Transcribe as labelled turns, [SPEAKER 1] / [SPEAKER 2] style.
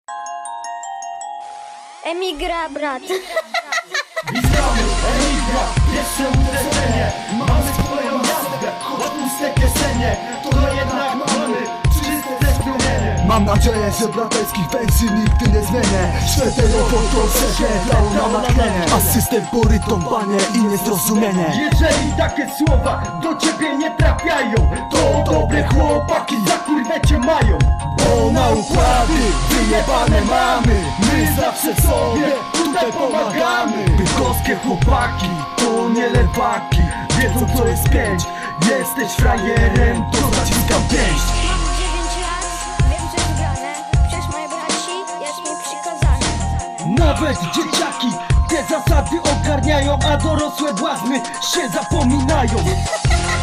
[SPEAKER 1] Emigra, brat.
[SPEAKER 2] Witamy, emigra, pierwsze uderzenie. Mamy swoją jazdę, choć puste kieszenie. To jednak mamy czyste spełnienie.
[SPEAKER 3] Mam nadzieję, że braterskich pensji nigdy nie zmienię. Szweterowo to grał na tlenie. Asystent porytą banie i niezrozumienie.
[SPEAKER 2] Jeżeli takie słowa do ciebie nie trafiają, to dobre chłopaki za kurwę cię mają.
[SPEAKER 3] Bo na układy wyjebane mamy. My zawsze sobie tutaj pomagamy.
[SPEAKER 2] Bydgoskie chłopaki to nie lewaki. Wiedzą co jest pięć. Jesteś frajerem, to zaciskam pięść.
[SPEAKER 1] Mam 9 lat, wiem co jest grane. Przez moje braci jest mi przykazane.
[SPEAKER 2] Nawet dzieciaki te zasady ogarniają, a dorosłe błazny się zapominają.